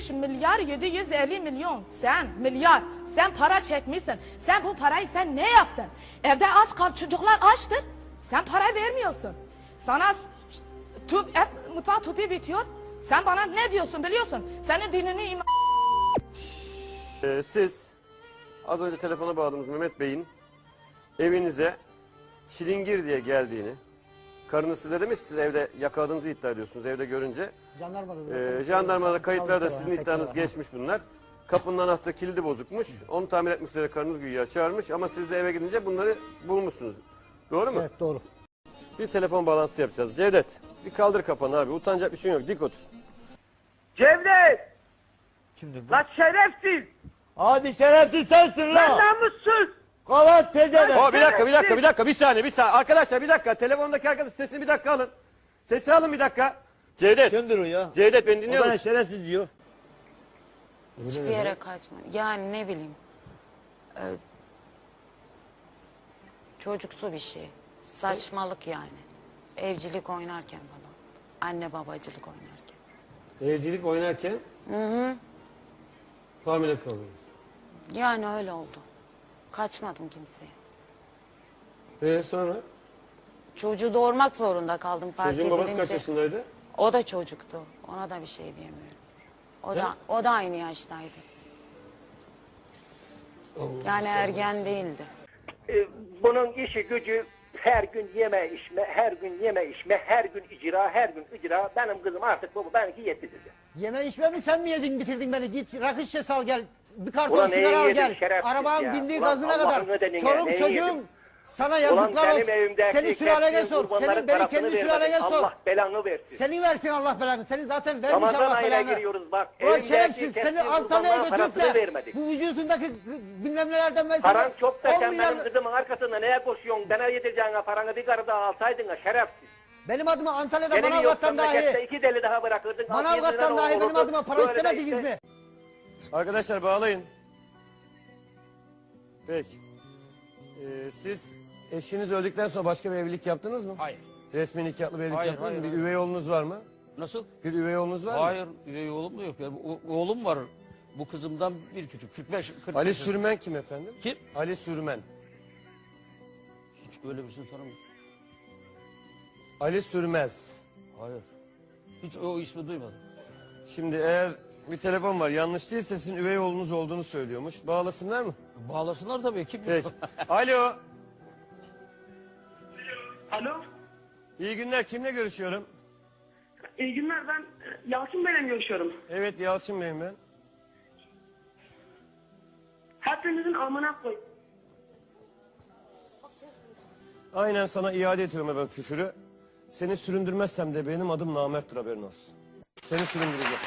milyar 750 milyon. Sen milyar. Sen para çekmişsin. Sen bu parayı sen ne yaptın? Evde aç kal, çocuklar açtır. Sen para vermiyorsun. Sana mutfak tüpü bitiyor. Sen bana ne diyorsun biliyorsun? Senin dinini Siz az önce telefona bağladığımız Mehmet Bey'in evinize çilingir diye geldiğini, karınız size demiş, siz evde yakaladığınızı iddia ediyorsunuz evde görünce. Jandarmada kayıtlarda sizin iddianız geçmiş bunlar. Kapının anahtarı kilidi bozukmuş. Onu tamir etmek üzere karınız güya çağırmış ama siz de eve gidince bunları bulmuşsunuz. Doğru mu? Evet, doğru. Bir telefon bağlantısı yapacağız. Cevdet, bir kaldır kafanı abi. Utanacak bir şey yok. Dik otur. Cevdet! Kimdir bu? Lan şerefsiz! Hadi şerefsiz sensin Lan la! namussuz! Kavat pezevenk! Bir saniye. Arkadaşlar bir dakika. Telefondaki arkadaş sesini bir dakika alın. Sesi alın bir dakika. Cevdet. Kimdir o ya? Cevdet beni O dinliyor bana musun? şerefsiz diyor. Hiçbir yere kaçma. Yani ne bileyim. Çocuksu bir şey. Saçmalık yani. Evcilik oynarken falan. Anne babacılık oynarken. Evcilik oynarken hamile kalıyor. Yani öyle oldu. Kaçmadım kimseye. Sonra? Çocuğu doğurmak zorunda kaldım fark Çocuğun babası kaç edilince. yaşındaydı? O da çocuktu. Ona da bir şey diyemiyorum. O da aynı yaştaydı. Yani ergen değildi. Bunun işi gücü her gün yeme içme, her gün yeme içme, her gün icra, her gün icra. Benim kızım artık bu, benimki yetti dedi. Yeme içme mi sen mi yedin bitirdin beni? Git rakı şişesi al gel. Bir karton Ulan sigara al neye gel. yedin şerefsiz Arabanın ya? bindiği Ulan gazına Allah'ın kadar. ödenine, Çoluk neye çocuğun yedin? sana Ulan yazıklar benim olsun. evimdeki Senin sülalene kestiğin sor. kurbanların Senin beni parasını kendi sülalene vermedin. sor. Allah belanı versin. Senin versin Allah belanı. Senin zaten vermiş Ramazan Allah ayına belanı. giriyoruz bak. Ulan Evimdeki şerefsiz seni kestiğin Antalya'ya kurbanların götürüp parasını de vermedik. bu vücudundaki bilmem nelerden ben sana Paran çok da 10 sen milyar... benim kızımın arkasında neye koşuyorsun? Bana yedireceğine paranı bir karı daha alsaydın ha şerefsiz. Benim adıma Antalya'da Senin yok Manavgat'tan memlekette dahi... 2 deli daha bırakırdın. Manavgat'tan dahi benim adıma para istemediniz mi? Arkadaşlar bağlayın. Peki. Siz eşiniz öldükten sonra başka bir evlilik yaptınız mı? Hayır. Resmi nikahlı bir evlilik Hayır, yaptınız mı? hayır, Bir üvey oğlunuz var mı? Nasıl? Bir üvey oğlunuz var mı? Hayır, üvey oğlum da yok. Yani oğlum var. Bu kızımdan bir küçük. 40 Ali yaşında. Sürmen kim efendim? Kim? Ali Sürmen. Hiç öyle birisini tanımıyorum. Ali Sürmez. Hayır. Hiç o ismi duymadım. Şimdi eğer bir telefon var yanlış değilse sizin üvey oğlunuz olduğunu söylüyormuş. Bağlasınlar mı? Bağlasınlar tabii. Kim? Peki. Alo. Alo, İyi günler. Kimle görüşüyorum? iyi günler. Ben Yalçın Bey'le görüşüyorum. Evet Yalçın Bey'im ben. Hepinizin amına koy. Aynen sana iade ediyorum efendim küfürü. Seni süründürmezsem de benim adım namerttir haberin olsun. Seni süründüreceğim.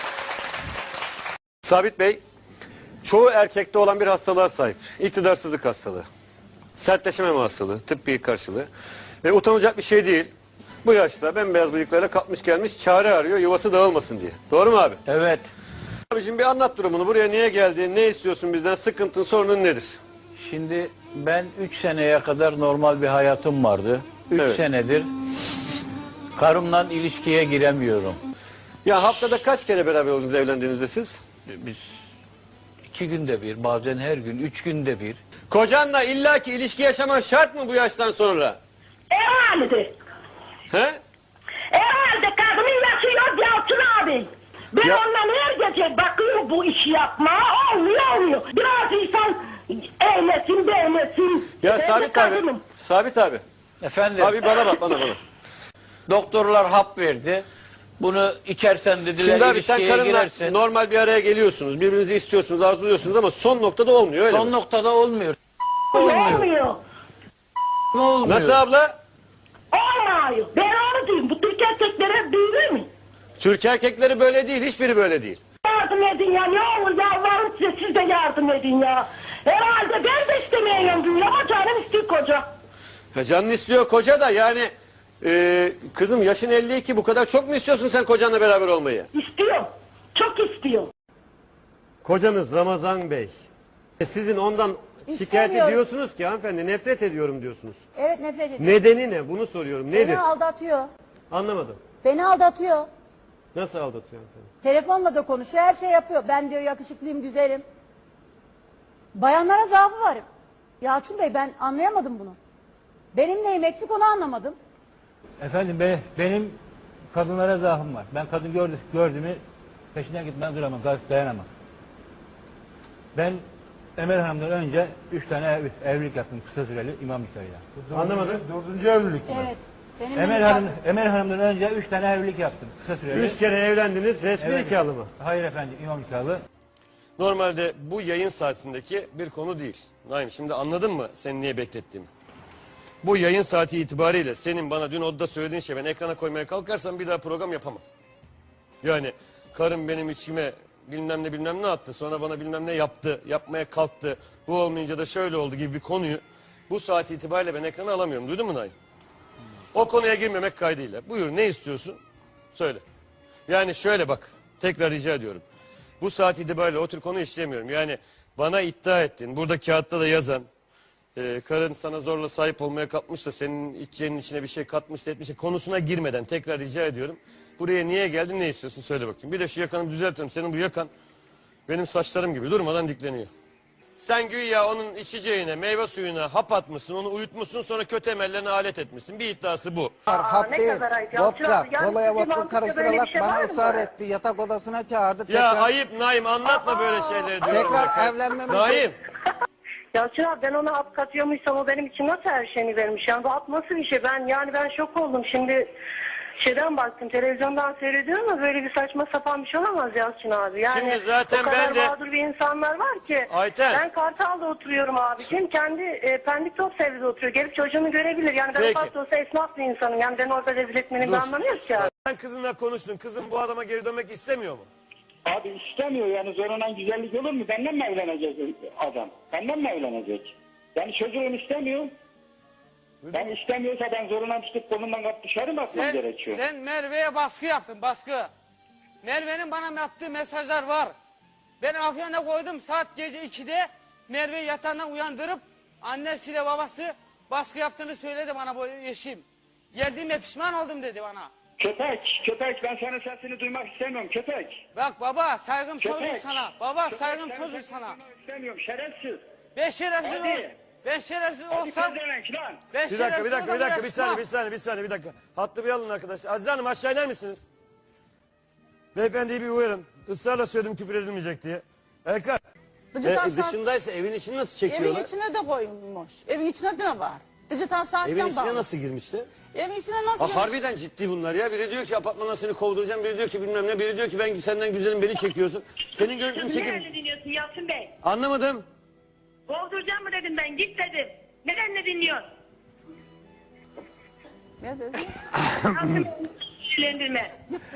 Sabit Bey, çoğu erkekte olan bir hastalığa sahip. İktidarsızlık hastalığı. Sertleşememe hastalığı, tıbbi karşılığı. Ve utanacak bir şey değil. Bu yaşta bembeyaz bıyıklarla kalkmış gelmiş çare arıyor yuvası dağılmasın diye. Doğru mu abi? Evet. Abicim bir anlat durumunu. Buraya niye geldin? Ne istiyorsun bizden? Sıkıntın, sorunun nedir? Şimdi ben 3 seneye kadar normal bir hayatım vardı. 3 Evet. senedir karımla ilişkiye giremiyorum. Ya haftada kaç kere beraber oldunuz evlendiğinizde siz? Biz 2 günde bir, bazen her gün, 3 günde bir. Kocanla illaki ilişki yaşaman şart mı bu yaştan sonra? Herhalde. He? Herhalde kadının yaşı yok Yalçın abi. Ben Ya- ondan her gece bakıyorum bu işi yapmaya. Olmuyor. Biraz insan eğlesin, beğensin. Ya Ben de Sabit abi. kadınım. Sabit abi. Efendim, Abi bana bak bana. doktorlar hap verdi. Bunu içersen dediler, Şimdi abi sen ilişkiye karınla girersin. normal bir araya geliyorsunuz. Birbirinizi istiyorsunuz, arzuluyorsunuz ama son noktada olmuyor öyle Son mi? noktada olmuyor. Olmuyor. Olmuyor. Olmuyor. Nasıl abla? Olmuyor. Ben onu diyeyim. Bu Türk erkeklere büyür mü? Türk erkekleri böyle değil, hiçbiri böyle değil. Yardım edin ya. Ne olur yalvarırım size. Siz de yardım edin ya. Herhalde ben de istemiyorum diyor ama canım istiyor koca. Ya canın istiyor koca da yani kızım yaşın 52 bu kadar çok mu istiyorsun sen kocanla beraber olmayı? İstiyor. Çok istiyor. Kocanız Ramazan Bey. Sizin ondan şikayet İstemiyorum. ediyorsunuz ki hanımefendi nefret ediyorum diyorsunuz. Evet, nefret ediyorum. Nedeni ne? Bunu soruyorum. Nedir? Beni aldatıyor. Anlamadım. Beni aldatıyor. Nasıl aldatıyorsun seni? Telefonla da konuşuyor, her şey yapıyor. Ben diyor yakışıklıyım, güzelim. Bayanlara zaafı var. Yalçın Bey, ben anlayamadım bunu. Benim neyim eksik onu anlamadım. Efendim benim kadınlara zaafım var. Ben kadın gördüğümü peşinden gitmem, duramam, dayanamam. Ben Emel Hanım'dan önce 3 tane evlilik yaptım kısa süreli imam nikahıyla. Anlamadım. 4. evlilik Evet. Benim Emel Hanım'dan önce 3 tane evlilik yaptım kısa süreli. 3 kere evlendiniz, resmi nikahlı mı? Hayır efendim, imam nikahlı. Normalde bu yayın saatindeki bir konu değil. Naim, şimdi anladın mı seni niye beklettiğimi? Bu yayın saati itibariyle senin bana dün odada söylediğin şey ben ekrana koymaya kalkarsam bir daha program yapamam. Yani karım benim içime bilmem ne attı, sonra bana bilmem ne yaptı, yapmaya kalktı, bu olmayınca da şöyle oldu gibi bir konuyu bu saat itibariyle ben ekrana alamıyorum. Duydun mu Naim? O konuya girmemek kaydıyla. Buyur, ne istiyorsun? Söyle. Yani şöyle bak, tekrar rica ediyorum. Bu saat itibariyle o tür konu işlemiyorum. Yani bana iddia ettin, burada kağıtta da yazan, karın sana zorla sahip olmaya kalkmış da senin içeceğinin içine bir şey katmış da etmiş de konusuna girmeden tekrar rica ediyorum. Buraya niye geldin, ne istiyorsun söyle bakayım. Bir de şu yakanı düzeltelim. Senin bu yakan benim saçlarım gibi durmadan dikleniyor. Sen güya onun içeceğine, meyve suyuna hap atmışsın, onu uyutmuşsun, sonra kötü emellerine alet etmişsin. Bir iddiası bu. Hap değil, vodka, kolaya vodka karıştırarak bana ısrar etti. Yatak odasına çağırdı. Ya ayıp Naim, anlatma böyle şeyleri diyorum. Tekrar evlenmemiz... Naim. Yalçın abi, ben ona hap katıyormuysam o benim için nasıl her şeyini vermiş? Yani bu hap nasıl bir şey? Ben şok oldum. Şimdi şeyden baktım, televizyondan seyrediyorum ama böyle bir saçma sapan bir şey olamaz Yalçın abi. Yani Şimdi zaten o kadar ben de... mağdur bir insanlar var ki. Ayten. Ben Kartal'da oturuyorum abicim. Kendi Pendik Topsevi'de oturuyor. Gelip çocuğunu görebilir. Yani ben Peki. ufak da olsa esnaf bir insanım. Yani ben orada rezil etmenin bir anlamı yok ki abi. Sen kızınla konuştun. Kızın bu adama geri dönmek istemiyor mu? Abi istemiyor yani, zorundan güzellik olur mu? Benden mi evlenecek adam? Benden mi evlenecek? Yani çocuğum istemiyor. Ben istemiyorsa ben zorundan tutup kolundan kapıp dışarı mı atmam gerekiyor? Sen Merve'ye baskı yaptın, baskı. Merve'nin bana attığı mesajlar var. Ben Afyon'a koydum, saat gece 2'de Merve'yi yatağından uyandırıp annesiyle babası baskı yaptığını söyledi bana bu eşim. Geldiğime pişman oldum dedi bana. Köpek ben senin sesini duymak istemiyorum köpek. Bak baba, saygım sözü sana. Baba, saygım sözü sana. İstemiyorum, şerefsiz. Ben şerefsiz olsam. Ben şerefsiz olsam. Ben Bir dakika, şerefsiz bir saniye. Hattı bir alın arkadaşlar. Azize Hanım, aşağı iner misiniz? Beyefendiyi bir uyarın. Israrla söyledim küfür edilmeyecek diye. Erkan. Dışındaysa evin içini nasıl çekiyorlar? Evin içine de koymuş. Evin içine de var. Dijital saatten Evin içine bağlı. nasıl girmişti? Evin içine nasıl girmiş? Harbiden ciddi bunlar ya. Biri diyor ki apartmandan seni kovduracağım. Biri diyor ki bilmem ne. Biri diyor ki ben senden güzelim, beni çekiyorsun. Senin görüntünü çekip... Nerede dinliyorsun Yalçın Bey? Anlamadım. Kovduracağım mı dedim ben, git dedim. Neden ne dinliyorsun? Ne dedi? Sinirlendirme.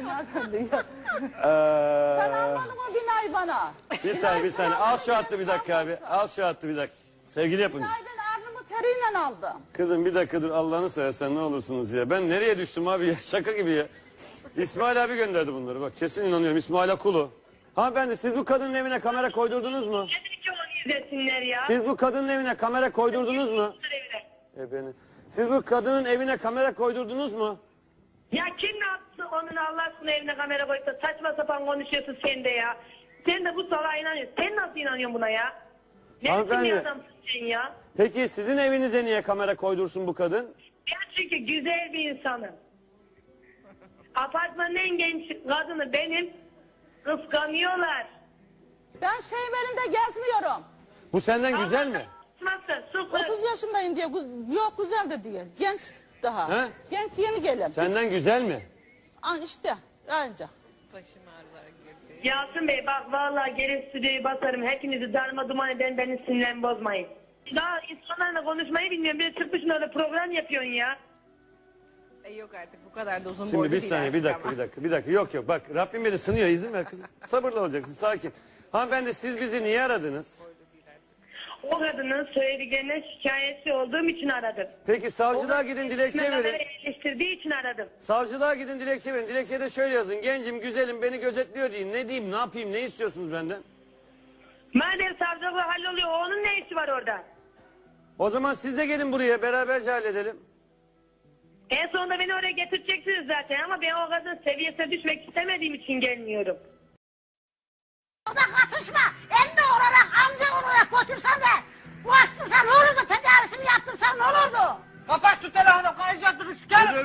Sen almadın o binayı bana. Bir saniye. Al şu hattı bir dakika abi. Al şu hattı bir dakika. Sevgili yapımcı. Binayı ben arnımı teriyle aldım. Kızım bir dakika dur, Allah'ını seversen ne olursunuz ya. Ben nereye düştüm abi ya, şaka gibi ya. İsmail abi gönderdi bunları, bak kesin inanıyorum. İsmail Akulu. Hanımefendi, siz bu kadının evine kamera koydurdunuz mu? Tabii ki onu izlesinler ya. Siz bu kadının evine kamera koydurdunuz mu? Siz bu kadının evine kamera koydurdunuz mu? Ya kim ne yaptı onun Allah aşkına evine kamera koyup da saçma sapan konuşuyorsun sen de ya. Sen de bu salağa inanıyorsun. Sen nasıl inanıyorsun buna ya? Ne biçim Hanımefendi. bir adamsın sen ya? Peki sizin evinize niye kamera koydursun bu kadın? Ya çünkü güzel bir insanım. Apartmanın en genç kadını benim. Kıskanıyorlar. Ben evinde gezmiyorum. Bu senden güzel mi? Nasıl? 30 yaşındayım diye. Yok, güzel de değil. Genç daha. He? Genç, yeni gelen. Senden güzel mi? İşte anca. Yalçın Bey bak vallahi gelip stüdyoyu basarım. Hepinizi darma duman eden, beni sinirlen bozmayın. Daha insanlarla konuşmayı bilmiyorum. Bir çıkmışsın öyle program yapıyorsun ya. Yok artık bu kadar da uzun Şimdi boylu bir değil saniye, artık bir dakika. Yok bak Rabbim beni sınıyor, izin ver kızım. Sabırlı olacaksın, sakin. Hanımefendi, siz bizi niye aradınız? O kadının söylediklerine şikayetçi olduğum için aradım. Peki savcılığa gidin, dilekçe verin. Eleştirdiği için aradım. Savcılığa gidin, dilekçe verin. Dilekçede şöyle yazın: gencim, güzelim, beni gözetliyor deyin. Ne diyeyim, ne yapayım, ne istiyorsunuz benden? Madem savcılığı halloluyor, onun ne işi var orada? O zaman siz de gelin buraya, beraberce halledelim. En sonunda beni oraya getireceksiniz zaten ama ben o kadın seviyesine düşmek istemediğim için gelmiyorum. Orada katışma. Emmi olarak, amca olarak götürsen de bu açtırsan ne olurdu? Tedavisini yaptırsan ne olurdu? Kapat şu telefonu, kayacak dur sikerim.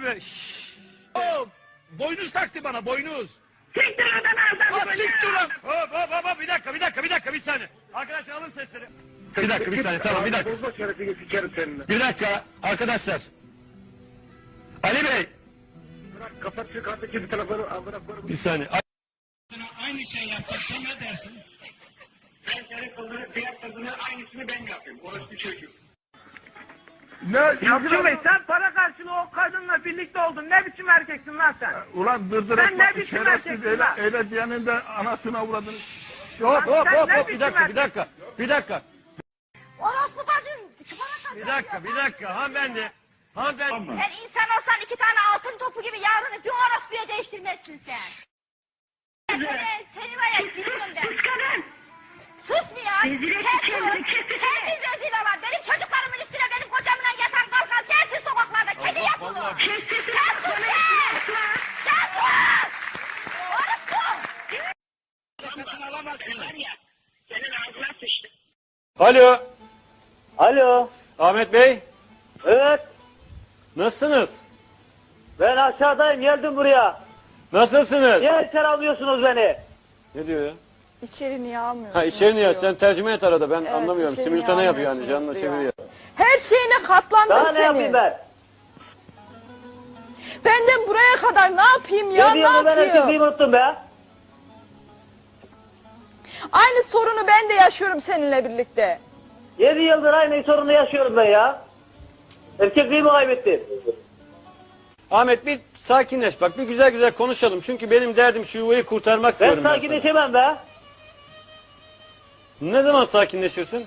Boynuz taktı bana, boynuz. Siktir oradan ağzını. Siktir lan. Hop, bir dakika, bir saniye. Arkadaşlar alın sesleri. Bir dakika, bir saniye, tamam, bir dakika. Bir dakika, arkadaşlar. Ali Bey. Bırak kapat şu kartdaki bir telefonu. Bir saniye. Aynı şey yapacak, sen ne dersin? Ben senin kızını, diğer kızını aynısını ben yapayım. Orası bir çocuk. Yalçın Bey sen para karşılığı o kadınla birlikte oldun. Ne biçim erkeksin lan sen? Ulan dırdır Sen ne etme, biçim şerefsiz, erkeksin lan? öyle diyenin de anasını avradını. Hop, Bir dakika. Orospu bacın. Bir dakika hanımefendi. Sen insan olsan 2 tane altın topu gibi yavrunu bir orospuya değiştirmezsin sen. Seni var ya bilmiyorum ben. Sus mu ya? Sensiz rezil olan, benim çocuklarımın üstüne benim kocamla yatan kalkan sensiz sokaklarda kedi yapılı. Sen sus sen! Sen sus! Orospu! Satın alamazsın var ya. Senin ağzına sıçtı. Alo. Alo. Ahmet Bey. Evet. Nasılsınız? Ben aşağıdayım, geldim buraya. Nasılsınız? Niye içeri almıyorsunuz beni? Ne diyor ya? İçeri niye almıyorsun? Ha içeri niye? Sen tercüme et arada, ben Evet, anlamıyorum. içeri Simultane niye yapıyor yani, almıyorsunuz canlı diyor. çeviriyor. Her şeyine katlandım Daha seni. ne yapayım ben? Benden buraya kadar ne yapayım ya? Ne Yediğimi ben yapayım? erkekliğimi unuttum be. Aynı sorunu ben de yaşıyorum seninle birlikte. 7 yıldır aynı sorunu yaşıyorum ben ya. Erkekliğimi kaybettim. Ahmet bir sakinleş bak, bir güzel konuşalım. Çünkü benim derdim şu yuvayı kurtarmak Ben diyorum ben sana. sakinleşemem be. Ne zaman sakinleşirsin?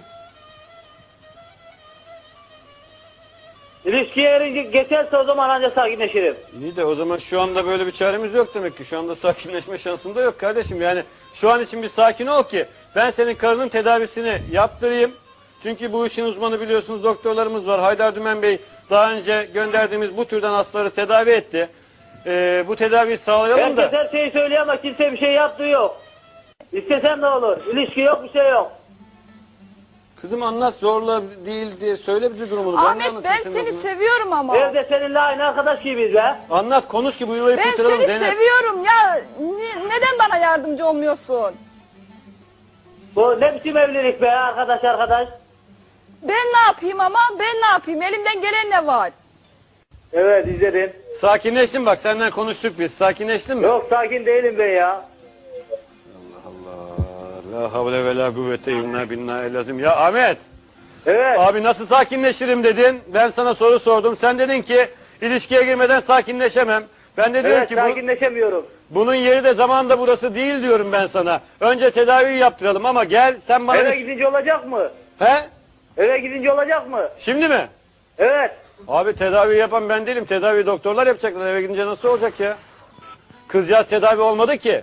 İlişkiye erince geçerse o zaman ancak sakinleşirim. İyi de o zaman şu anda böyle bir çaremiz yok demek ki. Şu anda sakinleşme şansın da yok kardeşim. Yani şu an için bir sakin ol ki ben senin karının tedavisini yaptırayım. Çünkü bu işin uzmanı biliyorsunuz, doktorlarımız var. Haydar Dümen Bey daha önce gönderdiğimiz bu türden hastaları tedavi etti. Bu tedaviyi sağlayalım da. Herkes her şeyi söylüyor ama kimse bir şey yaptığı yok. İstesem ne olur? İlişki yok, bir şey yok. Kızım anlat, zorla değil diye söyle bize durumunu. Ahmet ben seni seviyorum ama. Evde seninle aynı arkadaş gibiyiz be. Anlat, konuş ki bu yuvayı Ben kurtaralım seni Zeynep. seviyorum ya. Neden bana yardımcı olmuyorsun? Bu ne biçim evlilik be arkadaş? Ben ne yapayım ama? Ben ne yapayım? Elimden gelen ne var? Evet izledim. Sakinleştin bak, senden konuştuk biz. Sakinleştin mi? Yok sakin değilim ben ya. La havle ve la kuvvete illa billahi lazım. Ya Ahmet. Evet. Abi nasıl sakinleşirim dedin. Ben sana soru sordum. Sen dedin ki ilişkiye girmeden sakinleşemem. Ben de diyorum Evet ki sakinleşemiyorum. bunun yeri de zaman da burası değil diyorum ben sana. Önce tedaviyi yaptıralım ama gel sen bana... Eve gidince olacak mı? He? Eve gidince olacak mı? Şimdi mi? Evet. Abi tedavi yapan ben değilim. Tedavi doktorlar yapacaklar. Eve gidince nasıl olacak ya? Kızcağız tedavi olmadı ki.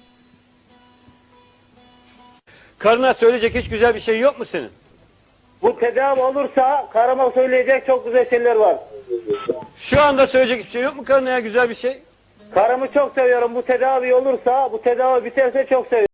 Karına söyleyecek hiç güzel bir şey yok mu senin? Bu tedavi olursa karıma söyleyecek çok güzel şeyler var. Şu anda söyleyecek hiçbir şey yok mu karına ya, güzel bir şey? Karımı çok seviyorum. Bu tedavi olursa, bu tedavi biterse çok seviyorum.